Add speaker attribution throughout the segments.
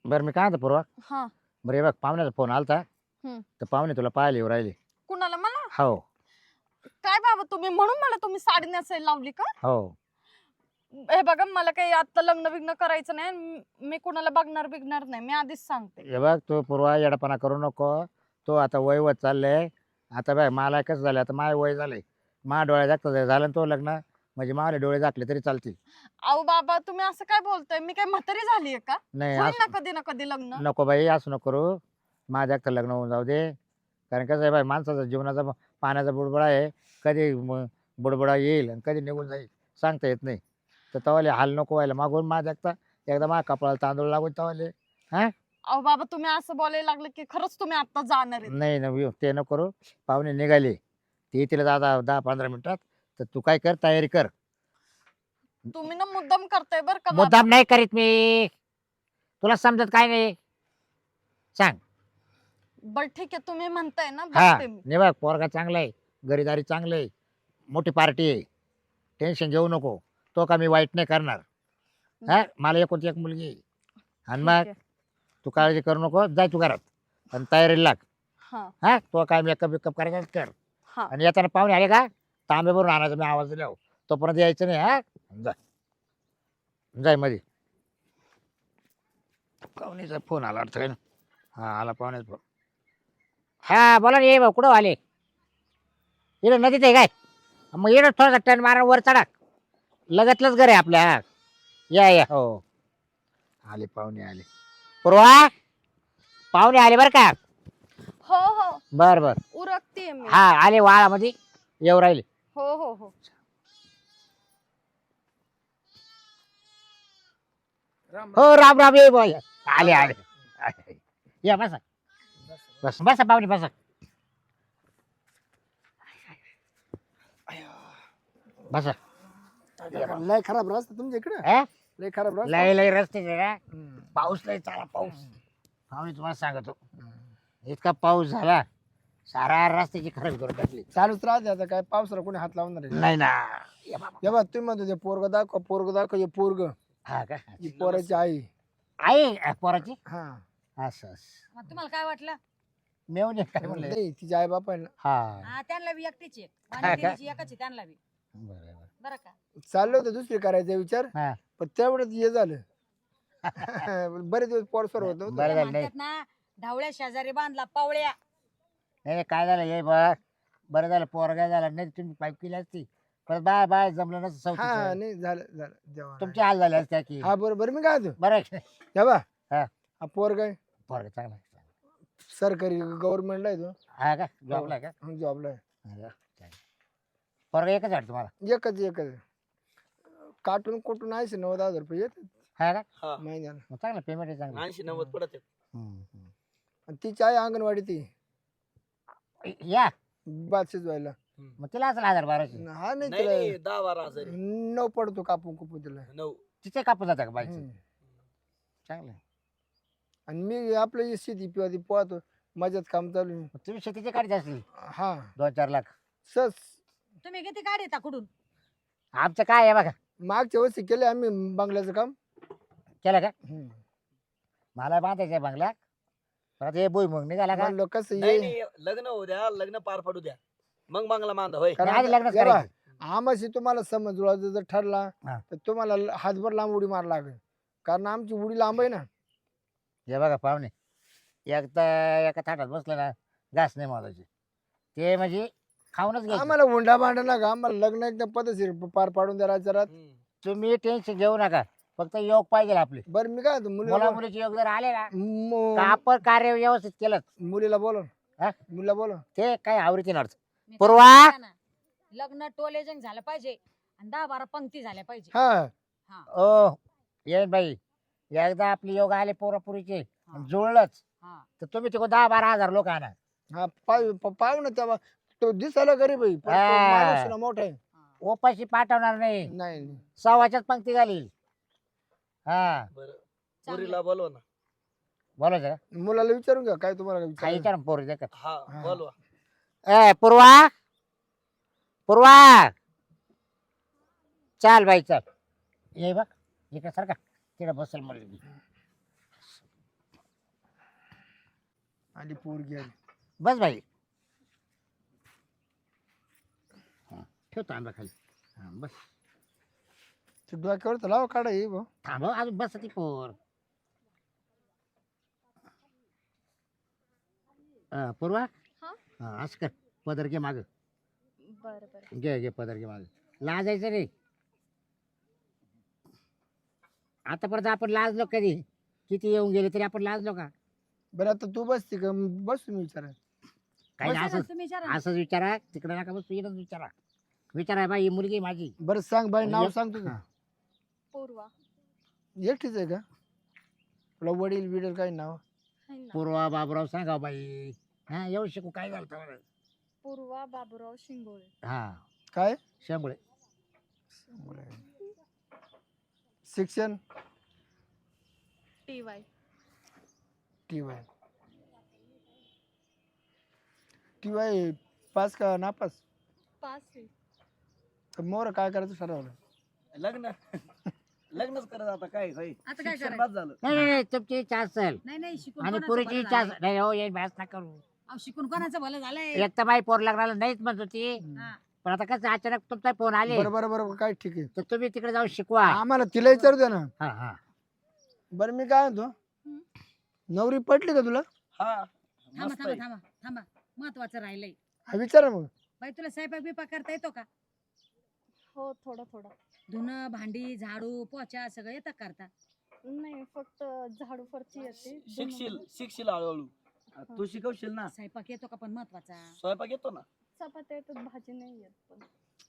Speaker 1: बरं मी काय म्हणतो पूर्वा.
Speaker 2: हा.
Speaker 1: बरं हे बघ पाहुण्याचा फोन आलता.
Speaker 2: हम्म.
Speaker 1: तर पाहुणे तुला पाहायला येऊ राहिले.
Speaker 2: कुणाला? मला?
Speaker 1: हो.
Speaker 2: काय बाबा तुम्ही म्हणून मला तुम्ही साडी नेसायला लावली का?
Speaker 1: हो.
Speaker 2: हे बघा मला काही आता लग्न बिग्न करायचं नाही. मी कुणाला बघणार बिगणार नाही, मी आधीच सांगते.
Speaker 1: हे बघ तू पूर्वा येडापणा करू नको. तो आता वय होत चाललंय. आता बघ मला कसं झालं, आता माझं वय झालंय. माझ्या डोळ्या जागत झालं ना तो लग्न, म्हणजे माझे डोळे झाकले तरी चालतील.
Speaker 2: अहो बाबा तुम्ही असं काय बोलताय? मी काय म्हातारी झालीये का?
Speaker 1: नाही
Speaker 2: होईल ना
Speaker 1: असं
Speaker 2: कधी ना कधी लग्न.
Speaker 1: नको बाई, असं नको करू. माझ्या एकटं लग्न होऊन जाऊ दे. कारण कसं आहे बाई, माणसाचा जीवनाचा पाण्याचा बुडबुडा आहे. कधी बुडबुडा येईल आणि कधी निघून जाईल सांगता येत नाही. तर तवाले हाल नको व्हायला मागून माझ्या एकदा माझ्या कपाळाला तांदूळ लागून तवाले. हा
Speaker 2: अहो बाबा तुम्ही असं बोलायला लागले की खरंच तुम्ही आता जाणार आहे.
Speaker 1: नाही ना ते नको करू. पाहुणे निघाले ते येतील दादा 10-15 मिनिटात. तर तू काय कर, तयारी कर.
Speaker 2: तुम्ही ना मुद्दाम करताय बर का बाबा.
Speaker 1: मुद्दाम नाही करीत मी. तुला समजत काय नाही सांग.
Speaker 2: बर ठीक आहे तुम्ही म्हणताय ना,
Speaker 1: हा
Speaker 2: बघते मी.
Speaker 1: नाही बघ पोरगा चांगला आहे, घरीदारी चांगलं आहे, मोठी पार्टी आहे. टेन्शन घेऊ नको. तो का मी वाईट नाही करणार. हा मला एकोणती एक मुलगी आहे. आणि
Speaker 2: ठीक
Speaker 1: मग
Speaker 2: आहे.
Speaker 1: तू काळजी करू नको, जाय तू घरात आणि तयारीला लाग.
Speaker 2: हा
Speaker 1: हा तो काय मेकअप बिकअप करायचा कर.
Speaker 2: हा.
Speaker 1: आणि येताना पाहुणे आले का तांबे भरून आणायचा, मी आवाज दिला तोपर्यंत यायचं नाही. हा जाय जाय मध्ये. पाहुणेचा फोन आला अर्थ आहे ना. हा आला पाहुण्याचा फोन. हा बोला ना ये भाऊ, कुठं आले? इकडं नदीत आहे काय? मग इकडं थोडासा टर्न मारा वर चढा. लगतलंच घर आहे आपल्या. हा या या हो. आले पाहुणे आले. पूर्वा पाहुणे आले बरं का.
Speaker 2: हो हो
Speaker 1: बर बर.
Speaker 2: उरकतीये मी.
Speaker 1: हा आले वाळामध्ये येऊ राहिले.
Speaker 2: हो हो हो.
Speaker 1: हो राम राम ये बॉय. आले आले. या बसा बस बसा पाहुणे बसा. बसा.
Speaker 3: लय खराब रस्ता तुमच्या इकडे.
Speaker 1: हा?
Speaker 3: लय खराब रस्ता.
Speaker 1: लय लय रस्ते पाऊस लय चाला पाऊस. पाहुणे तुम्हाला सांगतो इतका पाऊस झाला सारा रस्त्याची खराब करून टाकली.
Speaker 3: चालूच राहते आता, काय पावसाला कोणी हात लावणार आहे?
Speaker 1: नाही ना. ये बाबा.
Speaker 3: हे बघ तुम्ही म्हणतो ते पोरग दाखव, पोरग दाखव, हे पोरग
Speaker 1: हा का
Speaker 3: ही पोराची आई.
Speaker 1: आई पोराची
Speaker 3: हा
Speaker 1: असं असं.
Speaker 4: मग तुम्हाला काय वाटलं?
Speaker 1: मेवणे काय म्हणले.
Speaker 3: नाही तिची आई बाप आहे ना.
Speaker 1: हा
Speaker 4: हा त्यांना बी एकटीच आहे.
Speaker 1: हा का?
Speaker 4: वाणिज्यची एकच आहे त्यांना बी.
Speaker 1: बरोबर.
Speaker 4: बरं का?
Speaker 3: चाललं होतं दुसरी करायचा विचार,
Speaker 1: हा
Speaker 3: पण तेवढंच हे झालं. बरेच दिवस पोरसोर होत
Speaker 1: बरं
Speaker 4: ते
Speaker 1: झालं नाही.
Speaker 4: म्हणतात ना, ढवळ्या शेजारी बांधला पावळ्या.
Speaker 1: नाही काय झालं ये बघ. बरं झालं पोरगा झाला, नाही तुम्ही पाईप केली असती पण बाय बाय जमलं नसतं
Speaker 3: हा
Speaker 1: चौथीचं.
Speaker 3: नाही झालं झालं जेव्हा
Speaker 1: तुमचे हाल झाले असते की.
Speaker 3: हा बरोबर. मी काय होतो
Speaker 1: बरं आहे की नाही?
Speaker 3: हे बा
Speaker 1: हा.
Speaker 3: हा पोरग आहे
Speaker 1: पोरगा चांगला आहे.
Speaker 3: सरकारी गव्हर्नमेंटला आहे तो.
Speaker 1: हा का जॉबला आहे का?
Speaker 3: जॉबला आहे.
Speaker 1: हा का? पोरगा एकच वाटतं तुम्हाला.
Speaker 3: एकच एकच काटून कुठून 80-90 हजार रुपये येतात
Speaker 1: हा का
Speaker 5: हा
Speaker 3: महिन्याला.
Speaker 1: मग चांगलं पेमेंट आहे चांगलं.
Speaker 5: 80-90 पडत आहेत.
Speaker 1: हम्म.
Speaker 3: आणि तिची आई अंगणवाडी ती
Speaker 1: या
Speaker 3: भात शिजवायला.
Speaker 1: मग तिला असेल 1000-1200.
Speaker 3: हा नाही
Speaker 5: नाही
Speaker 3: तिला
Speaker 5: नाही 10-12 हजार आहे.
Speaker 3: 9 पडतो कापून कुपून तिला.
Speaker 5: 9
Speaker 1: तिचे कापून जाता का बाईचं.
Speaker 3: हम्म.
Speaker 1: चांगलं आहे.
Speaker 3: आणि मी आपलं हे शेती पिवा ती पोहतो माझ्यात काम चालू आहे.
Speaker 1: मग तुम्ही शेतीचे काढत असली
Speaker 3: हा
Speaker 1: 2-4 लाख.
Speaker 3: सस
Speaker 4: तुम्ही किती गाडी येता कुठून?
Speaker 1: आमचं काय आहे बघा.
Speaker 3: मागच्या वर्षी केले आम्ही बंगल्याचं काम.
Speaker 1: केलं का?
Speaker 3: हम्म.
Speaker 1: मला बांधायचं आहे बंगला. परत हे भुईमुग निघाला का?
Speaker 3: म्हणलं कसं
Speaker 5: नाही
Speaker 3: ये
Speaker 5: नाही लग्न होऊ द्या, लग्न पार पडू द्या, मग बांगला बांधा होय.
Speaker 3: कारण
Speaker 1: आधी लग्नच
Speaker 3: हे बा,
Speaker 1: करायचं.
Speaker 3: आमाशी तुम्हाला समज जुळायचं जर ठरला
Speaker 1: हा.
Speaker 3: तर तुम्हाला हातभर लांब उडी मार लागेल, कारण आमची उडी लांब आहे ना.
Speaker 1: हे बघा पाहुणे एकदा एका थाटात बसलं ना घास नाही मोजायचे. ते म्हणजे खाऊनच घ्यायचं.
Speaker 3: आम्हाला हुंडा भांडा नका, आम्हाला लग्न एकदम पद्धतशीर पार पाडून द्या रात.
Speaker 5: हम्म.
Speaker 1: तुम्ही टेन्शन घेऊ नका. फक्त योग पाहिजे आपले.
Speaker 3: बरं मी काय
Speaker 1: मुला मुलीचे योग जर आले ना
Speaker 3: मु-
Speaker 1: तर आपण कार्य व्यवस्थित केलं
Speaker 3: मुलीला बोलव,
Speaker 1: हा?
Speaker 3: मुलीला बोलव.
Speaker 1: ते काय आवडीचे नर्थ.
Speaker 4: मी
Speaker 1: पूर्वा!
Speaker 4: काय म्हणते ना, लग्न टोलेजंग झालं पाहिजे आणि 10-12 पंक्ती झाल्या पाहिजे.
Speaker 3: हा
Speaker 1: ओ येईन बाई एकदा आपले योग आले पोरापुरीचे
Speaker 4: हा.
Speaker 1: जुळलंच
Speaker 4: हा.
Speaker 1: तर तुम्ही तिकडे 10-12 हजार लोक आणा.
Speaker 3: हा पाहू ना तेव्हा तो दिसायला गरीब आहे पण तो
Speaker 1: हा.
Speaker 3: माणूस ना मोठा आहे.
Speaker 4: हा.
Speaker 1: ओपाशी पाठवणार नाही.
Speaker 3: नाही
Speaker 1: सव्वाच्याच पंक्ती घालील. हा
Speaker 5: बरं
Speaker 4: चांगलं.
Speaker 5: पुरीला बोलवा ना.
Speaker 1: बोलायचं का?
Speaker 3: मुलाला विचारून घ्या काय तुम्हाला
Speaker 1: काही
Speaker 3: विचारायचं.
Speaker 1: विचार पोरी देखत.
Speaker 5: हा
Speaker 3: हा.
Speaker 5: बोलवा.
Speaker 1: ए पूर्वा पूर्वा चाल बाई चल. ये बघ इकडे सारखा तिकडे बसेल मुलगी.
Speaker 3: आणि पोरगी आली.
Speaker 1: बस बाई. हा, ठेव तांबा खाली. हा, बस.
Speaker 3: ते डोक्यावर तर लावा काढा ये भाऊ.
Speaker 1: थांब हो, अजून बस ती पोर. पूर्वा.
Speaker 2: हा?
Speaker 1: हा, असं कर. पदर घे माग.
Speaker 2: बरं बरं.
Speaker 1: घे पदर घे माग. लाजायचं रे. आतापर्यंत आपण लाजलो कधी? किती येऊन गेले तरी आपण लाजलो का?
Speaker 3: बरं आता तू बसती का बस तुम्ही विचारा.
Speaker 1: काही नाही,
Speaker 4: विचारा,
Speaker 1: असंच
Speaker 4: तुम्ही विचारा.
Speaker 1: असंच विचारा. तिकडे नका बस, इकडंच विचारा. विचारा बाई, ही मुलगी आहे माझी.
Speaker 3: बरं सांग बाई नाव सांग तुझं.
Speaker 1: हा.
Speaker 2: पूर्वा
Speaker 3: एकटीच आहे का तुला वडील बिडील काही नाव?
Speaker 2: आहे ना.
Speaker 1: पूर्वा बाबूराव सांगा बाई. हा, एवढं शिकू काय झालं तुम्हाला?
Speaker 2: पूर्वा बाबूराव शिंगोळे.
Speaker 1: हा,
Speaker 3: काय
Speaker 1: शेंगुळे.
Speaker 3: शिक्षण?
Speaker 2: TY.
Speaker 3: TY. TY पास का नापास?
Speaker 2: पास आहे.
Speaker 3: तर मोर काय करायचं ठरवलं?
Speaker 5: लग्न लग्नच करत आता काय होय
Speaker 4: आता काय
Speaker 5: शिक्षण
Speaker 4: करायचं?
Speaker 5: बाद झालं.
Speaker 1: नाही, तुमची इच्छा असेल
Speaker 4: नाही नाही शिकून
Speaker 1: आणि
Speaker 4: कोणाचं
Speaker 1: पुरीची
Speaker 4: भलं
Speaker 1: इच्छा
Speaker 4: झालंय?
Speaker 1: नाही. हो, ये बॅस ना करू.
Speaker 4: अहो, शिकून कोणाचं भलं झालंय?
Speaker 1: एक तर बाई पोर लग्नाला नाहीच म्हणत होती.
Speaker 4: हा.
Speaker 1: पण आता कसं अचानक तुमचा फोन आले
Speaker 3: बरं बरं बरं काय ठीक आहे.
Speaker 1: तर तुम्ही तिकडे जाऊन शिकवा.
Speaker 3: आम्हाला तिला विचारू दे ना.
Speaker 1: हा हा.
Speaker 3: बरं मी काय म्हणतो
Speaker 2: हम्म.
Speaker 3: नवरी पटली का तुला?
Speaker 5: हा
Speaker 4: थांबा
Speaker 5: मस्त
Speaker 4: थांबा
Speaker 5: आहे.
Speaker 4: थांबा थांबा महत्वाचं राहिलंय.
Speaker 3: हा विचारा मग.
Speaker 4: बाई तुला स्वयंपाक बिपाक करता येतो का?
Speaker 2: हो थोडं थोडं.
Speaker 4: धुणं भांडी झाडू पोचा सगळं येतं करता?
Speaker 2: नाही फक्त झाडू फरची येते.
Speaker 5: शिकशील हळूहळू. तू शिकवशील ना.
Speaker 4: स्वयंपाक येतो का पण महत्वाचा?
Speaker 5: स्वयंपाक येतो ना.
Speaker 2: चपात्या येतात, भाजी नाही येत पण.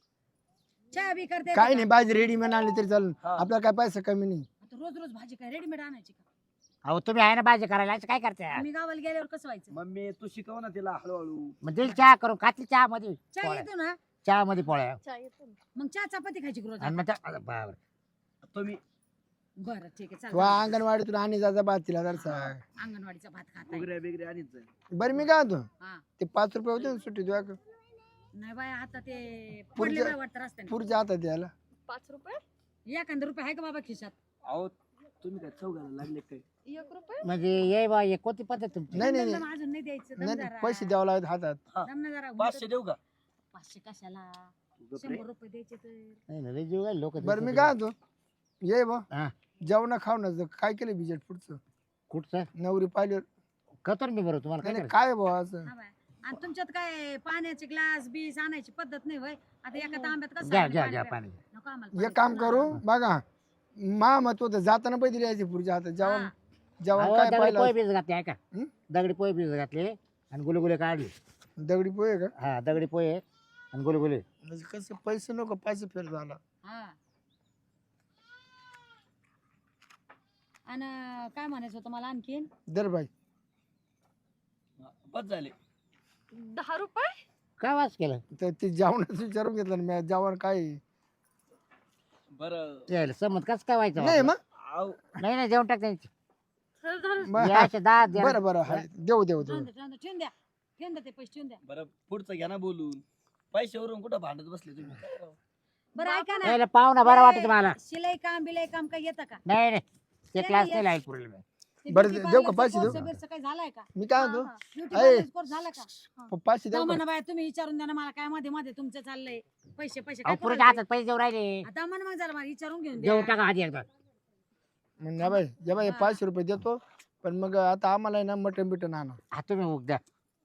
Speaker 4: चहा बी करता
Speaker 3: काय
Speaker 4: येतो
Speaker 3: नाही
Speaker 4: का?
Speaker 3: भाजी रेडीमेड आणली तरी चालेल.
Speaker 5: हा.
Speaker 3: आपल्याला काय पैसा कमी नाही.
Speaker 4: आता रोज रोज भाजी काय रेडीमेड आणायची का?
Speaker 1: अहो तुम्ही आहे ना भाजी करायला, असं काय करते?
Speaker 4: आम्ही गावाला गेल्यावर कसं व्हायचं?
Speaker 5: मम्मी तू शिकव ना तिला हळूहळू.
Speaker 1: मग दिल चहा करून खातली, चहा मध्ये
Speaker 4: चहा येतो ना?
Speaker 1: चहा मध्ये पोळ्या.
Speaker 2: चहा येतो ना.
Speaker 4: मग चहा चपाती खायची का रोज?
Speaker 1: आणि मग त्या- बापरे.
Speaker 5: तुम्ही
Speaker 4: बरं ठीक आहे
Speaker 3: वा
Speaker 4: चालेल.
Speaker 3: अंगणवाडीतून आणि जायचा भात तिला जरसा.
Speaker 4: अंगणवाडीचा भात खाताय?
Speaker 5: उगऱ्या बिगऱ्या आणीत जाय.
Speaker 3: बरं मी काय म्हणतो
Speaker 4: हा.
Speaker 3: ते 5 रुपये होते ना सुट्टी तुझ्या
Speaker 4: नाही बाय आता ते
Speaker 3: पुढच्या-
Speaker 4: पडले बाय वाटतं रस्त्याने.
Speaker 3: पुढच्या हातात द्यायला.
Speaker 2: 5 रुपये?
Speaker 4: एखादा रुपये आहे का बाबा खिशात?
Speaker 5: अहो तुम्ही काय चौघाला लागले काय?
Speaker 2: 1 रुपये?
Speaker 1: म्हणजे ये बा, ये कोणती पद्धत तुमची?
Speaker 3: नाही नाही
Speaker 4: दम
Speaker 3: नाही
Speaker 4: दम अजून नाही द्यायचं. दम
Speaker 3: नाही
Speaker 4: जरा.
Speaker 3: नाही, पैसे द्यावं लागत हातात.
Speaker 4: दम ना जरा.
Speaker 5: 500 देऊ का?
Speaker 4: 500 कशाला?
Speaker 5: तू गप रे.
Speaker 4: 100 रुपये द्यायचे तर.
Speaker 1: नाही ना, लय जीव घाल लोक.
Speaker 3: बरं मी काय म्हणतो ये बा
Speaker 1: हा.
Speaker 3: जेवण खावणं काय केलं बिजेट पुढचं
Speaker 1: कुठचं
Speaker 3: नवरी पाहिलं
Speaker 1: कतर मी बरोबर तुम्हाला काय
Speaker 3: नाही
Speaker 1: करायचं?
Speaker 3: काय भाऊ असं
Speaker 4: हा बाय. आणि तुमच्यात काय पाण्याचे ग्लास बीस आणायची पद्धत नाही होय? आता एका तांब्यात कसं
Speaker 1: घ्या
Speaker 4: आहे
Speaker 1: घ्या
Speaker 4: पाणी
Speaker 1: घ्या
Speaker 4: प्या-
Speaker 1: पाणी.
Speaker 4: नको आम्हाला
Speaker 3: एक काम करू बघा मा मत होतं जाताना पैसे द्यायचे पुढच्या हातात जेवण
Speaker 4: हा.
Speaker 3: जेवण
Speaker 1: अहो,
Speaker 3: काय
Speaker 1: दगडी
Speaker 3: पाहिलं
Speaker 1: पोहे बीज घातले ऐका.
Speaker 3: हं?
Speaker 1: दगडी पोहे बीज घातले आणि गुलगुले काढले.
Speaker 3: दगडी पोहे का
Speaker 1: हा, दगडी पोहे आणि गुलगुले.
Speaker 3: म्हणजे कसं पैसे नको पैसे फेर झाला
Speaker 4: हा. आणि काय म्हणायचं होतं मला आणखीन?
Speaker 3: दर बाई
Speaker 5: बस झाले.
Speaker 2: 10 रुपये?
Speaker 1: काय वास केलं?
Speaker 3: तर ते जेवणाचं विचारून घेतलं ना मी जेवण काय आहे?
Speaker 5: बरं
Speaker 1: यायला समज कसं काय व्हायचं?
Speaker 3: नाही मग
Speaker 5: आव
Speaker 1: नाही नाही, जेवण टाक त्यांची.
Speaker 3: मग-
Speaker 1: या अशा दहा द्या.
Speaker 3: बरं बरं हाय. देऊ देऊ देऊ
Speaker 4: ठेवून द्या, ठेवून द्या, ठेवून द्या. ठेवून द्या ते पैसे ठेवून द्या.
Speaker 5: बरं पुढचं घ्या ना बोलून. पैशावरून कुठं भांडत बसले तुम्ही? काय राव?
Speaker 4: बरं ऐका ना.
Speaker 1: यायला पाहुणा बरं वाटत तुम्हाला?
Speaker 4: शिलाई काम बिलाई काम काही येतं का?
Speaker 1: नाही नाही, ते
Speaker 4: नाही,
Speaker 1: क्लास
Speaker 4: नाही,
Speaker 1: नाही लागेल पुढे.
Speaker 4: ते
Speaker 3: बरं,
Speaker 4: beauty
Speaker 3: देऊ का
Speaker 4: parlor चा
Speaker 3: पैसे देऊ?
Speaker 4: course बिर्स काही झालाय का?
Speaker 3: मी काय म्हणतो
Speaker 4: ब्युटी
Speaker 3: अय.
Speaker 4: पार्लर कोर्स झाला का?
Speaker 3: पाचशे देऊ
Speaker 4: जाऊ
Speaker 3: का?
Speaker 4: म्हणा बाय तुम्ही विचारून द्या ना मला काय मध्ये मध्ये तुमचं चाललंय पैसे पैसे
Speaker 1: अहो
Speaker 4: काय
Speaker 1: पुढच्या
Speaker 4: करायचं?
Speaker 1: हातात पैसे देऊ राहिले.
Speaker 4: आता म्हणा मग जरा मला विचारून घेऊन
Speaker 1: देऊ
Speaker 4: द्या.
Speaker 1: टाका आधी एकदा.
Speaker 3: मग ना बाई जे बाई
Speaker 4: हा.
Speaker 3: 500 रुपये देतो पण मग आता आम्हाला आहे ना मटन बिटन आणा
Speaker 1: हा, तुम्ही उग द्या.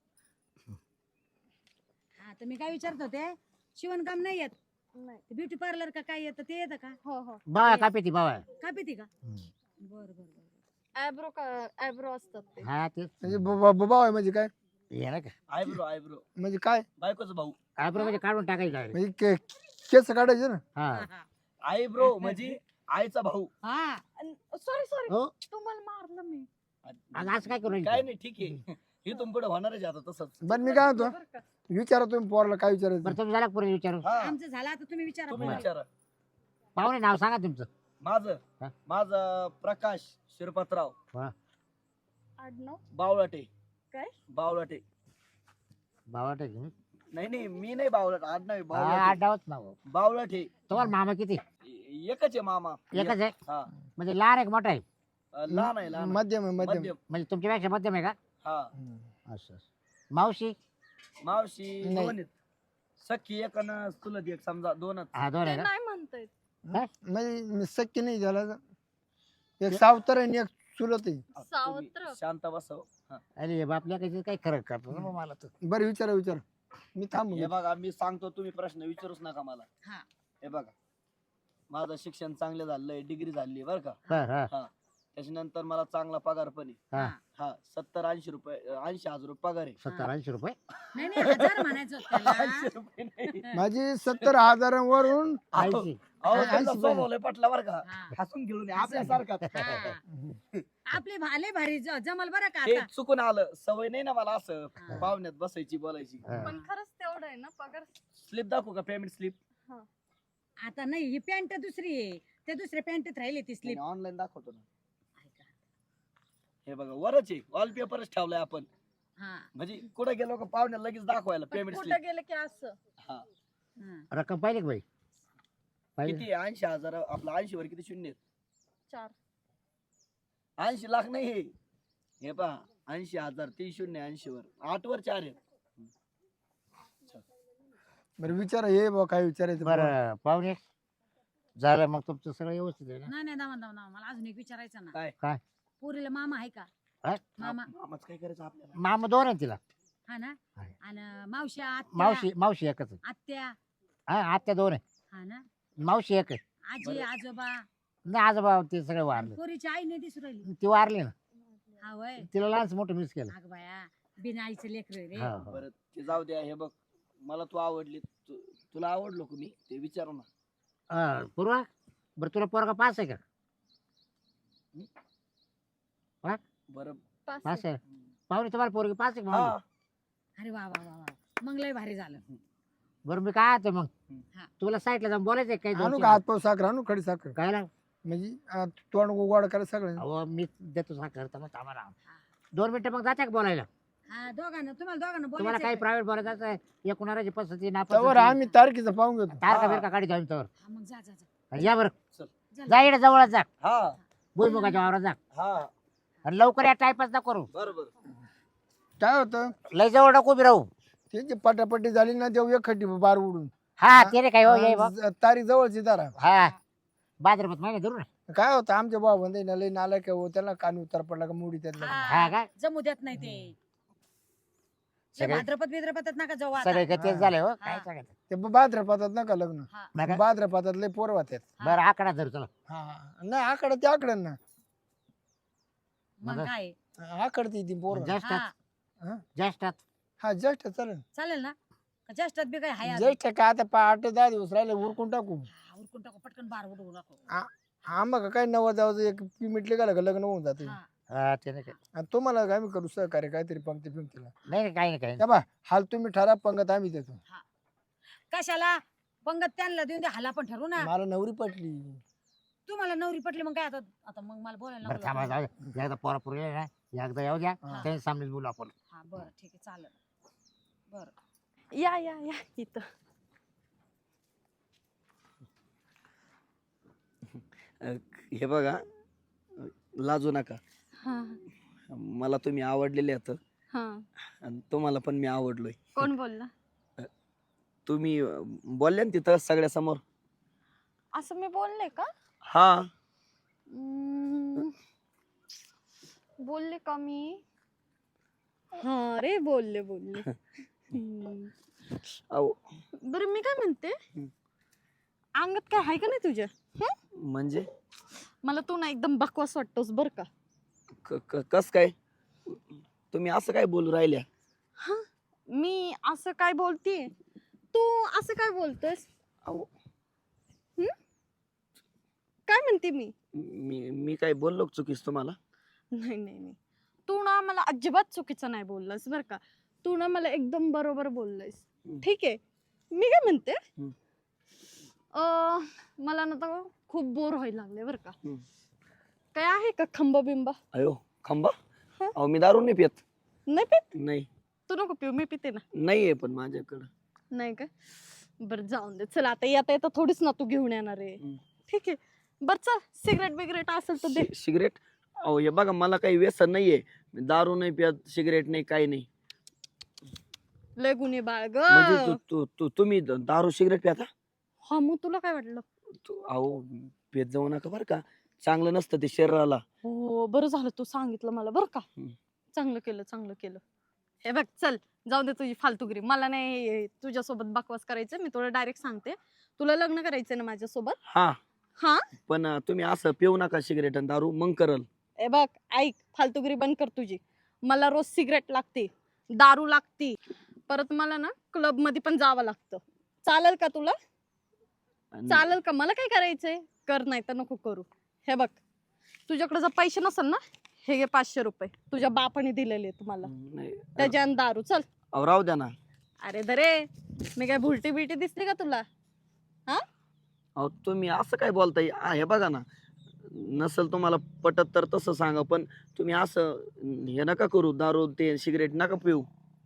Speaker 4: हा तर मी काय विचारत होते शिवणकाम नाही येत
Speaker 2: नाही.
Speaker 4: ब्युटी पार्लर का काय येतं ते येतं का?
Speaker 2: हो हो.
Speaker 1: बावा का पिती बावा.
Speaker 4: काय पिती का? बरं बरं बरं.
Speaker 2: आयब्रो असतात ते.
Speaker 1: हा ते
Speaker 3: म्हणजे बाबा आहे म्हणजे काय
Speaker 1: ये ना का
Speaker 5: आयब्रो
Speaker 3: म्हणजे काय
Speaker 5: बायकोचा भाऊ.
Speaker 1: आयब्रो म्हणजे काढून टाकायचं आहे.
Speaker 3: म्हणजे केस काढायचे ना
Speaker 1: हा.
Speaker 4: हा, हा.
Speaker 5: आयब्रो म्हणजे आईचा भाऊ.
Speaker 4: हा
Speaker 2: सॉरी सॉरी,
Speaker 1: हो,
Speaker 2: तुम्हाला मारलं मी.
Speaker 1: आज असं काय करू
Speaker 5: काय
Speaker 1: राहिले?
Speaker 5: नाही ठीक आहे. इथून पुढे होणारच आहे आता तसंच.
Speaker 3: बरं मी काय म्हणतो
Speaker 2: बरं का?
Speaker 3: विचारा तुम्ही पोराला काय विचारायचं
Speaker 1: बरं तुम्ही झाला पुढे विचारू.
Speaker 5: हा
Speaker 4: आमचं झालं आता तुम्ही विचारा
Speaker 5: तुम्ही
Speaker 4: पोराला.
Speaker 5: विचारा.
Speaker 1: पाहुणे नाव सांगा तुमचं.
Speaker 5: माझं
Speaker 1: हा?
Speaker 5: माझं प्रकाश शिरपतराव
Speaker 2: आडनाव
Speaker 5: बावळाटे.
Speaker 2: काय?
Speaker 5: बावळाटे.
Speaker 1: बावा टाकी.
Speaker 5: नाही नाही मी नाही बावळट. आडनाव आहे बावळाटे.
Speaker 1: आडावच नाव.
Speaker 5: बावळाटे.
Speaker 1: तुम्हाला मामा किती?
Speaker 5: एकच आहे मामा.
Speaker 1: एकच आहे.
Speaker 5: हा
Speaker 1: म्हणजे लहान आहे का मोठा आहे?
Speaker 5: लहान आहे लहान आहे.
Speaker 3: मध्यम आहे मध्यम
Speaker 5: मध्यम.
Speaker 1: म्हणजे तुमच्यापेक्षा मध्यम आहे का?
Speaker 5: हा
Speaker 3: हम्म.
Speaker 1: असं मावशी
Speaker 5: मावशी
Speaker 3: नाही.
Speaker 5: दोन आहेत. सख्खी एक आणि चुलत एक समजा दोनच.
Speaker 1: हा दोन
Speaker 2: ते
Speaker 1: आहे का
Speaker 2: नाही म्हणतायत.
Speaker 3: म्हणजे मी शक्य नाही झाला एक सावतर आणि एक चुलत आहे.
Speaker 2: सावत्र.
Speaker 5: तुम्ही शांत बसव. हा.
Speaker 1: अरे बापल्या काही खरं करतो ना मला तर
Speaker 3: बरं विचारा मी थांबू
Speaker 5: हे बघा मी सांगतो तुम्ही प्रश्न विचारूच नका मला.
Speaker 4: हा.
Speaker 5: हे बघा माझं शिक्षण चांगलं झालंय डिग्री झाली बरं का.
Speaker 1: हा
Speaker 5: हा त्याच्यानंतर मला चांगला पगार पण आहे.
Speaker 1: हा.
Speaker 5: हा 70-80 रुपये 80,000 रुपये पगार आहे.
Speaker 1: 70-80 रुपये
Speaker 4: नाही नाही 1000 म्हणायचं होतं त्याला.
Speaker 5: 80 रुपये नाही.
Speaker 3: माझी 70,000वरून
Speaker 1: ऐंशी
Speaker 5: अहो,
Speaker 3: ऐंशी
Speaker 5: त्यांचा
Speaker 3: पण.
Speaker 5: स्वभाव लय पटला बरं का.
Speaker 4: हा.
Speaker 5: हसून घेऊन आपल्यासारखा.
Speaker 4: हा. आपले भाले भारी जमल बरं का
Speaker 5: हे
Speaker 4: आता.
Speaker 5: चुकून आलं सवय नाही ना मला असं
Speaker 4: हा.
Speaker 5: पाहुण्यात बसायची बोलायची.
Speaker 1: हा.
Speaker 2: पण खरंच तेवढं आहे ना पगार.
Speaker 5: स्लिप दाखवू का पेमेंट स्लिप.
Speaker 4: आता नाही ही पॅन्ट दुसरी आहे ते दुसऱ्या पॅन्टीत राहिली ती स्लीप.
Speaker 5: ऑनलाईन दाखवतो ना. हे बघा वरच आहे वॉलपेपरच ठेवलाय आपण.
Speaker 4: हा
Speaker 5: म्हणजे कुठे गेलो का पाहुण्याला लगेच दाखवायला
Speaker 2: पण
Speaker 5: पेमेंट
Speaker 2: कुठं
Speaker 5: स्लिप.
Speaker 2: गेलं की असं.
Speaker 5: हा
Speaker 4: हा.
Speaker 1: रक्कम पाहिजे का बाई पाहिजे
Speaker 5: किती 80,000 आपलं 80 वर किती शून्य आहेत?
Speaker 2: 4.
Speaker 5: 80 लाख नाही हे. हे पहा 80,000 3 शून्य 80 वर 8 वर 4 आहेत.
Speaker 3: बरं विचारा हे बा काय विचारायचं
Speaker 1: बरं पाहुणे झालं मग तुमचं सगळं व्यवस्थित आहे ना
Speaker 4: नाही नाही दामा दामा मला अजून एक विचारायचं ना.
Speaker 5: काय?
Speaker 1: काय?
Speaker 4: पोरीला मामा आहे का?
Speaker 1: हा?
Speaker 4: मामा
Speaker 5: मामाच काय करायचं आपल्याला.
Speaker 1: मामा दोन आहे तिला
Speaker 4: हा ना.
Speaker 1: आहे.
Speaker 4: आणि मावशी आत्या
Speaker 1: मावशी एकच आहे
Speaker 4: आत्या
Speaker 1: हा आत्या दोन आहे
Speaker 4: हा ना.
Speaker 1: मावशी एक आहे
Speaker 4: आजी
Speaker 5: बरं.
Speaker 4: आजोबा
Speaker 1: नाही आजोबा ते सगळे वारले
Speaker 4: पोरीची आई नाही दिसू राहिली.
Speaker 1: ती वारली ना
Speaker 4: हा वय
Speaker 1: तिला लहानच मोठं मिस केलं
Speaker 4: अग बाया बिना आईचं लेकर रे.
Speaker 1: हा, हा.
Speaker 5: बरं ते जाऊ द्या. हे बघ मला तू आवडली तुला आवडलो का मी ते विचारू ना.
Speaker 1: पूर्वा बरं तुला पोरगा पास आहे का
Speaker 5: बरं
Speaker 1: पास आहे पाहुणे तुम्हाला पोरगी पास आहे का
Speaker 5: हा
Speaker 1: म्हणलं?
Speaker 4: अरे वा वा वा वा मग लय भारी झालं.
Speaker 1: बरं मी काय आता मग
Speaker 4: हा.
Speaker 1: तुला साईडला जाऊन बोलायचं काही
Speaker 3: आणू
Speaker 1: दोन
Speaker 3: का हात पाव साखर आणू खडी साखर
Speaker 1: काय ना
Speaker 3: म्हणजे तोंड गोड करा सगळं
Speaker 1: अहो मी देतो साखर तर मग आम्हाला 2 मिनिटं मग जाते का बोलायला
Speaker 4: हा दोघांना तुम्हाला दोघांना
Speaker 1: तुम्हाला
Speaker 4: बोलायचं
Speaker 1: काही
Speaker 4: आहे.
Speaker 1: प्रायव्हेट बोलायचं असं एकूणाची पसंती ना
Speaker 3: त्यावर आम्ही तारखेचं पाहून घेतो
Speaker 1: तारखा
Speaker 5: हा.
Speaker 1: बिरका काढी जाऊन तर
Speaker 4: हा, मग जा जा जा.
Speaker 1: या बरं
Speaker 4: जा.
Speaker 1: जा इकडे जवळच जा
Speaker 5: हा
Speaker 1: भुईमुगाच्या वावरात जा
Speaker 5: हा
Speaker 1: आणि लवकर या टाईपच ना करू
Speaker 5: बरोबर.
Speaker 3: काय होतं
Speaker 1: लय जवळ नको उभी राहू
Speaker 3: त्यांची पटापटी झाली ना देऊ एक खड्डी बार उडून
Speaker 1: हा ते रे काय हो ये बघ
Speaker 3: तारीख जवळची दारा
Speaker 1: हा बाजारात महिने धरू ना
Speaker 3: काय होतं आमच्या भाऊ बंद लय नाला काय हो त्याला कान उतार पडला का मुडी त्यातला
Speaker 1: हा काय
Speaker 4: जमू देत नाही ते
Speaker 1: सगळे
Speaker 4: भाद्रपद बिद्रपदात नका जाऊ आता.
Speaker 1: सगळे का तेच झाले हो काय
Speaker 4: हा.
Speaker 1: सांगायचं
Speaker 3: ते भाद्रपदात नका लग्न
Speaker 4: हा.
Speaker 1: नका?
Speaker 3: भाद्रपदात लय पोर होत्यात
Speaker 1: बरं आकडा धरू चला
Speaker 3: हा नाही आकडे ते आकडे ना
Speaker 4: मग
Speaker 1: मग-
Speaker 4: काय
Speaker 3: आकडते ती पोर
Speaker 1: ज्येष्ठात
Speaker 4: हा
Speaker 1: ज्येष्ठात
Speaker 3: हा ज्येष्ठ चालेल
Speaker 4: चालेल ना का ज्येष्ठात बी काय हाय अजून?
Speaker 3: ज्येष्ठ काय आता 8-10 दिवस राहिले उरकून टाकू
Speaker 4: हा, उरकून टाकू पटकन बार उडवू नको.
Speaker 3: हा मग काय 90 जावं एक मिटले का लग्न होऊन जाते
Speaker 4: हा.
Speaker 1: हा ते नाही काय
Speaker 3: आणि तुम्हाला काय आम्ही करू सहकार्य काहीतरी पंक्ती पिंक्तीला
Speaker 1: नाही काही नाही काही
Speaker 3: त्या बा हाल तुम्ही ठरा पंगत आम्ही देतो
Speaker 4: कशाला पंगत त्यांना देऊन दे हाला पण ठरवू ना.
Speaker 3: मला नवरी पटली
Speaker 4: तुम्हाला नवरी पटली मग काय आता आता मग मला बोलायला
Speaker 1: बरं
Speaker 4: नको
Speaker 1: थांबा
Speaker 4: लागलं.
Speaker 1: जाऊ दे. एकदा पोरा पुरी ना एकदा येऊ द्या
Speaker 3: हा.
Speaker 1: त्यांनी सामनेच बोलू आपण
Speaker 4: हा बरं ठीक आहे चालेल बरं.
Speaker 2: या इथं.
Speaker 5: हे बघा लाजू नका.
Speaker 2: हा
Speaker 5: मला तुम्ही आवडलेले आहेत
Speaker 2: हा.
Speaker 5: आणि तुम्हाला पण मी आवडलोय.
Speaker 2: कोण बोलला?
Speaker 5: तुम्ही बोलले ना तिथं सगळ्या समोर.
Speaker 2: असं मी बोलले का?
Speaker 5: हा
Speaker 2: हम्म, बोलले का मी? हा रे बोलले हम्म.
Speaker 5: अहो
Speaker 2: बरं मी काय म्हणते, अंगात काय आहे का नाही तुझ्या?
Speaker 5: म्हणजे
Speaker 2: मला तू ना एकदम बकवास वाटतोस बर का.
Speaker 5: कस काय तुम्ही असं काय बोलू राहिल्या?
Speaker 2: मी असं काय बोलतीये, तू असं काय बोलतोस?
Speaker 5: अहो
Speaker 2: काय म्हणते मी?
Speaker 5: मी काय बोललो का चुकीस तुम्हाला?
Speaker 2: नाही तू ना मला अजिबात चुकीचं नाही बोललास बर का. तू ना मला एकदम बरोबर बोललास. ठीक आहे. मी काय म्हणते, मला ना तर खूप बोर व्हायला लागले बर का. काय आहे का खंबा बिंबा?
Speaker 5: अयो खंबा?
Speaker 2: हा?
Speaker 5: अहो मी दारू नाही पित.
Speaker 2: नाही पित?
Speaker 5: नाही
Speaker 2: तू नको पिऊ, मी पिते ना.
Speaker 5: नाहीये पण माझ्याकडं.
Speaker 2: नाही का? बरं जाऊन दे. चल आता येता थोडीच ना तू घेऊन येणार आहे. ठीक आहे. बर चल, सिगरेट बिगरेट असेल तर दे.
Speaker 5: सिगरेट? अहो हे बघा मला काही व्यसन नाहीये. मी दारू नाही पित, सिगरेट नाही, काही नाही.
Speaker 2: लय गुन्हे बाळ ग.
Speaker 5: म्हणजे तुम्ही दारू सिगरेट प्याता?
Speaker 2: हा मग तुला काय वाटलं?
Speaker 5: अहो पेत जाऊ नका बरं का, चांगलं नसतं ते शरीराला.
Speaker 2: हो बरं झालं तू सांगितलं मला बरं का.
Speaker 5: हम्म.
Speaker 2: चांगलं केलं चांगलं केलं. हे बघ चल जाऊ दे तुझी फालतूगिरी. मला नाही तुझ्यासोबत बकवास करायचं. मी तुला डायरेक्ट सांगते, तुला लग्न करायचंय ना माझ्यासोबत?
Speaker 5: हा
Speaker 2: हा
Speaker 5: पण तुम्ही असं पिऊ नका सिगरेट आणि दारू, मग करल.
Speaker 2: हे बघ ऐक, फालतूगिरी बंद कर तुझी. मला रोज सिगरेट लागते, दारू लागती, परत मला ना क्लब मध्ये पण जावं लागतं. चालेल का तुला? चालेल का? मला काय करायचंय कर, नाही तर नको करू. हे बघ तुझ्याकडे जर पैसे नसेल ना, हे घे 500 रुपये तुझ्या बापाने दिलेले तुम्हाला,
Speaker 5: नाही
Speaker 2: त्याच्यान दारू. चल.
Speaker 5: अहो, राहू द्या ना.
Speaker 2: अरे दरे, मी काय भुलटी बिलटी दिसली का तुला?
Speaker 5: अहो तुम्ही असं काय बोलताय? हे बघा ना, नसल तुम्हाला पटत तर तसं सांगा, पण तुम्ही असं हे नका करू, दारू ते सिगरेट नका पिऊ.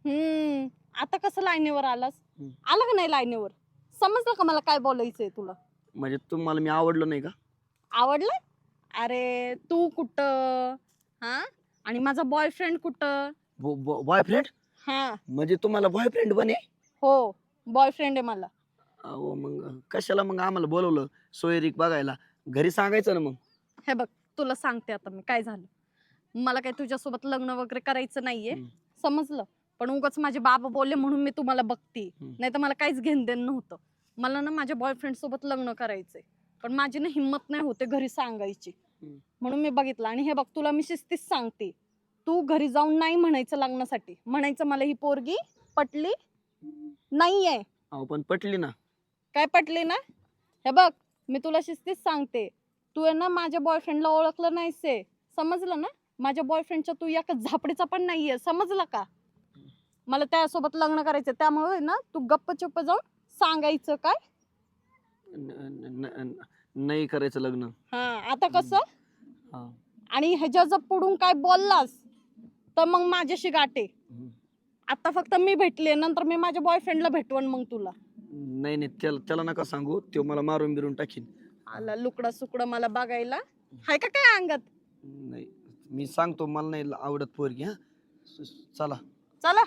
Speaker 2: आता कसं लाईनीवर आलास?
Speaker 5: हम्म.
Speaker 2: आला का नाही लाईनीवर? समजलं का मला काय बोलायचंय तुला?
Speaker 5: म्हणजे तुम्हाला मी आवडलो नाही का?
Speaker 2: आवडलं? अरे तू कुठं हा, आणि माझा बॉयफ्रेंड कुठं?
Speaker 5: बॉयफ्रेंड?
Speaker 2: हा
Speaker 5: म्हणजे तुम्हाला बॉयफ्रेंड बने?
Speaker 2: हो बॉयफ्रेंड आहे मला.
Speaker 5: अहो मग कशाला मग आम्हाला बोलवलं सोयरीक बघायला? घरी सांगायचं ना मग.
Speaker 2: हे बघ तुला सांगते आता मी काय झालं. मला काय तुझ्यासोबत लग्न वगैरे करायचं नाहीये,
Speaker 5: हम्म.
Speaker 2: समजलं? पण उगाच माझे बाबा बोलले म्हणून मी तुम्हाला बघते,
Speaker 5: हम्म.
Speaker 2: नाही तर मला काहीच घेण देण नव्हतं. मला ना माझ्या बॉयफ्रेंड सोबत लग्न करायचंय, पण माझी ना हिंमत नाही होते घरी सांगायची.
Speaker 5: हम्म.
Speaker 2: म्हणून मी बघितलं. आणि हे बघ तुला मी शिस्तीच सांगते, तू घरी जाऊन नाही म्हणायचं लग्नासाठी, म्हणायचं मला ही पोरगी पटली नाहीये.
Speaker 5: अहो पण पटली ना.
Speaker 2: काय पटली ना? हे बघ मी तुला शिस्तीच सांगते, तू आहे ना माझ्या बॉयफ्रेंडला ओळखलं नाहीस आहे, समजलं ना? माझ्या बॉयफ्रेंडच्या तू एका झापडीचा पण नाहीये, समजलं का? मला त्यासोबत लग्न करायचं, त्यामुळे ना तू गप्प चुप्प जाऊन सांगायचं. काय?
Speaker 5: नाही करायचं लग्न.
Speaker 2: हा आता कसं?
Speaker 5: हा.
Speaker 2: आणि ह्याच्या जर पुढून काय बोललास तर मग माझ्याशी गाठे.
Speaker 5: हम्म.
Speaker 2: आता फक्त मी भेटले, नंतर मी माझ्या बॉयफ्रेंडला भेटवण मग तुला.
Speaker 5: नाही नाही, त्याला नका सांगू, तो मला मारून बिरून टाकीन.
Speaker 2: आला लुकडा सुकडा मला बघायला, हाय का काय अंगात?
Speaker 5: नाही मी सांगतो, मला नाही आवडत पोरगी. हा चला.
Speaker 2: चला.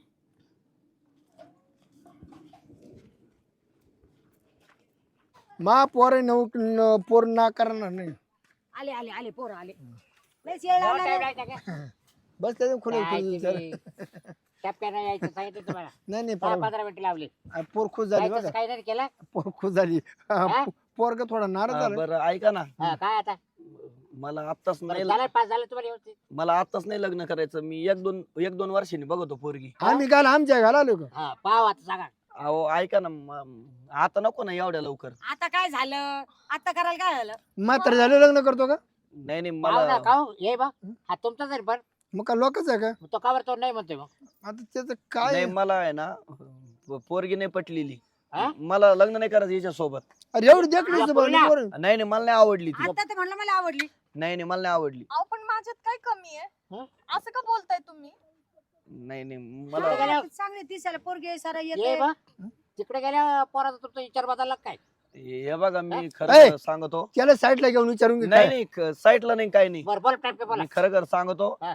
Speaker 3: मा पोर पोर ना करणार नाही.
Speaker 4: आले आले आले पोरं आले. लयच येळ लावला रे.
Speaker 3: बस त्याचं खुले
Speaker 1: टप्प्यानं यायचं सांगितलं तुम्हाला.
Speaker 3: नाही नाही
Speaker 1: 15 मिनिटं लावली.
Speaker 3: पोर खुश झाली
Speaker 1: जायचंच
Speaker 3: बघा.
Speaker 1: काही नाही केलं.
Speaker 3: पोर खुश झाली.
Speaker 1: हा?
Speaker 3: पोरग थोडा नाराज झाला.
Speaker 5: बरं ऐका ना,
Speaker 1: हा, काय आता?
Speaker 5: मला आत्ताच
Speaker 1: बरं,
Speaker 5: नाही
Speaker 1: झालं पास झालं तुम्हाला व्यवस्थित?
Speaker 5: मला आत्ताच नाही लग्न करायचं. मी एक दोन वर्षांनी बघतो पोरगी.
Speaker 3: आम्ही काल आमच्या घाला आलो का?
Speaker 1: हा पाव आता सांगा.
Speaker 5: अहो ऐका ना, आता नको ना एवढ्या लवकर.
Speaker 4: आता काय झालं? आता करायला काय झालं?
Speaker 3: म्हातार झाले लग्न करतो का?
Speaker 5: नाही नाही
Speaker 1: पाव ना
Speaker 5: मला
Speaker 1: खाऊ ये बा. हा तुमचा जरी पण
Speaker 3: मग का लोकच आहे का?
Speaker 1: तो कावर तो नाही म्हणतोय मग.
Speaker 3: आता त्याचं काय
Speaker 5: नाही, मला आहे ना पोरगी नाही पटलेली.
Speaker 1: हा?
Speaker 5: मला लग्न नाही करायचं हिच्या सोबत.
Speaker 3: अरे एवढी देखणी
Speaker 1: या पोरीला?
Speaker 5: नाही नाही, मला नाही आवडली ती.
Speaker 4: आता ते म्हणलं मला आवडली.
Speaker 5: नाही नाही, मला नाही आवडली.
Speaker 2: अहो पण माझ्यात काय कमी आहे?
Speaker 1: हं?
Speaker 2: असं का बोलताय तुम्ही?
Speaker 5: नाही नाही
Speaker 1: तिकडे
Speaker 5: मला
Speaker 1: गेल्या-
Speaker 4: चांगली दिसायला पोरगी सारा
Speaker 1: ये
Speaker 4: येते.
Speaker 1: बा. तिकडे गेल्या पोराचा तुमचा विचार बदलला काय?
Speaker 5: हे बघा, मी
Speaker 3: ऐ!
Speaker 5: खरं सांगतो.
Speaker 3: त्याला साईडला घेऊन विचारून घे
Speaker 5: नाही
Speaker 3: काय.
Speaker 5: नाही, साईडला नाही, काही नाही.
Speaker 1: बरं बोल टाइम बोला.
Speaker 5: मी खरं सांगतो.
Speaker 1: हा.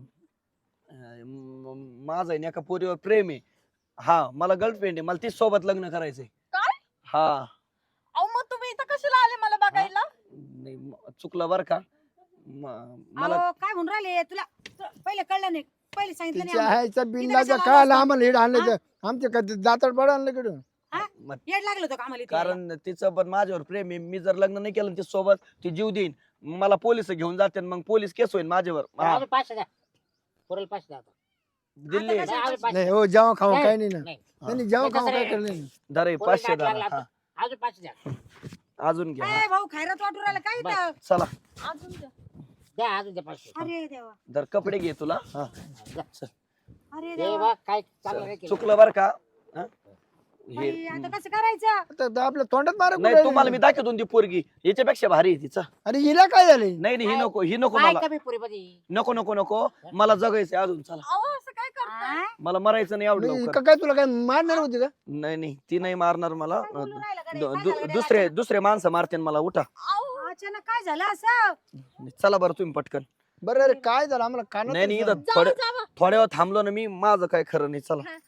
Speaker 5: माझं आहे ना एका पोरीवर प्रेम आहे. हा, मला गर्लफ्रेंड आहे, मला तीच सोबत लग्न करायचंय.
Speaker 2: काय?
Speaker 5: हा.
Speaker 2: अहो मग तुम्ही इथं कशाला आले मला बघायला?
Speaker 5: नाही चुकलं बर का. मला
Speaker 4: अहो, काय म्हणून राहिले तुला? पहिले कळलं नाही, पहिले सांगितलं नाही
Speaker 3: तिच्या
Speaker 4: आम्हाला.
Speaker 3: आईचा
Speaker 4: तिथं
Speaker 3: बिल्लाचा
Speaker 4: कशाला
Speaker 3: काय
Speaker 4: आला
Speaker 3: आम्हाला हेड आणलं तर आमच्या कधी दातार पड आणलं कडून.
Speaker 5: मग
Speaker 4: येड लागलं होतं का आम्हाला इथे यायला?
Speaker 5: कारण तिचं पण माझ्यावर प्रेम आहे. मी जर लग्न नाही केलं ना सोबत, ती जीव देईन. मला पोलीस घेऊन जाते, मग पोलीस केस होईल माझ्यावर. हा,
Speaker 1: अजून 500 द्या. पोराला 500 द्या आता.
Speaker 5: दिल्ली
Speaker 4: आता
Speaker 1: नाही, अजून 500.
Speaker 3: नाही हो, जेव्हा खाऊ
Speaker 1: नाही.
Speaker 3: काय नाही ना.
Speaker 1: नाही.
Speaker 3: नाही जेव्हा खाऊ
Speaker 1: नाही,
Speaker 3: काय
Speaker 1: तसं
Speaker 3: करलं
Speaker 1: नाही.
Speaker 3: नाही.
Speaker 5: धरे
Speaker 1: पोरीला
Speaker 5: 500
Speaker 1: गाठ लागला
Speaker 5: द्या.
Speaker 1: आता. अजून 500 द्या.
Speaker 5: अजून घ्या.
Speaker 4: काय भाऊ खैरात वाटू राहिला काय इथं?
Speaker 5: चला,
Speaker 2: अजून द्या.
Speaker 1: द्या अजून द्या 500.
Speaker 4: अरे देवा,
Speaker 5: धर कपडे घे तुला. हा.
Speaker 1: द्या.
Speaker 4: अरे
Speaker 1: हे
Speaker 4: देवा.
Speaker 1: बा काय चांगलं नाही केलं.
Speaker 5: चुकलं बर का. हा? हे
Speaker 4: बाई, आता कसं करायचं?
Speaker 3: आता आपल्या तोंडात मारा
Speaker 5: नाही, तुम्हाला मी दाखवतो ती पोरगी, याच्यापेक्षा भारी आहे तिचा.
Speaker 3: अरे हिला काय झालंय?
Speaker 5: नाही नाही, ही नको, ही नको
Speaker 1: काय
Speaker 5: मला.
Speaker 1: कमी पुरीमध्ये?
Speaker 5: नको नको नको, मला जगायचंय अजून. चला,
Speaker 2: अहो असं काय करताय?
Speaker 4: हा?
Speaker 5: मला मरायचं नाही एवढं
Speaker 3: नाही,
Speaker 5: लवकर.
Speaker 3: काय तुला काय मारणार होती का?
Speaker 5: नाही नाही, ती नाही मारणार मला.
Speaker 4: काय बोलू राहिला गड्या? काय झालं गड्या?
Speaker 5: दुसरे माणसं मारते मला. उठा.
Speaker 2: अहो
Speaker 4: अचानक काय झालं असं?
Speaker 5: चला बरं तुम्ही पटकन.
Speaker 3: बरं अरे काय झालं आम्हाला कानात
Speaker 5: नाही नाही,
Speaker 3: दिसलं.
Speaker 5: इथं
Speaker 2: जावा.
Speaker 5: थोड्या वेळ थांबलो ना मी, माझं काय खरं नाही. चला.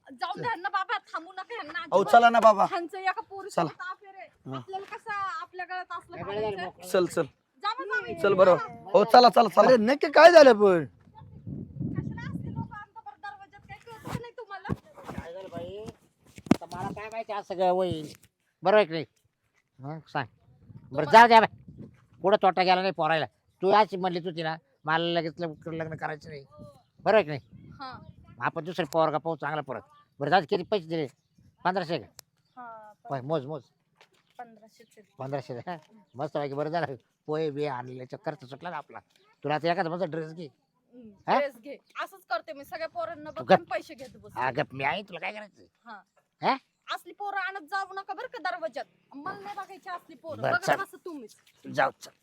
Speaker 2: जाऊन द्या ना बाबा, थांबू नका ह्यांना
Speaker 5: अहो
Speaker 2: अजिबात.
Speaker 5: चला ना बाबा.
Speaker 2: ह्यांचं एका पोरीसोबत affair आहे.
Speaker 5: हा.
Speaker 2: आपल्याला कसं आपल्या गळ्यात असलं
Speaker 1: हे बरं झालं
Speaker 2: घालायचं?
Speaker 1: मोकळं.
Speaker 5: चल चल
Speaker 2: जावं जावं.
Speaker 5: चल बरं. हो चला चला चला.
Speaker 3: अरे नक्की काय झालं पण
Speaker 2: कशाला असले लोकं आणता बरं दरवाज्यात? काही कळतं का नाही तुम्हाला?
Speaker 1: काय झालं बाई आता मला काय माहिती आज सगळं होईल बरोबर आहे की नाही मग सांग बरं जाऊ द्या बाई पुढं तोटा गेला नाही पोरायला तू अशी म्हणली तू तिला मला लगेच लग्न करायचं नाही बरोबर आहे की नाही
Speaker 2: हा.
Speaker 1: आपण दुसरे पोरगा पाहू चांगला परत बरं जाऊ दे, किती पैसे दिले 1500 का
Speaker 2: हा,
Speaker 1: होय, मोज मोज
Speaker 2: 1500 चे.
Speaker 1: 1500 हा. मस्त पैकी बरं झालं पोहे बे आणले खर्च सुटला ना आपला तुला आता एखादा मस्त ड्रेस घे हा?
Speaker 2: ड्रेस घे. असंच करते मी सगळ्या पोरांना
Speaker 1: तू
Speaker 2: बघून पैसे घेत बस.
Speaker 1: हा गप मी आहे तुला काय करायचं
Speaker 2: हा.
Speaker 1: हा?
Speaker 2: असली पोरं आणत जाऊ नका बरं का दरवाज्यात. मला नाही बघायची असली पोरं.
Speaker 1: बरं,
Speaker 2: बघा
Speaker 1: चल.
Speaker 2: कसं तुम्हीच.
Speaker 1: जाऊ चल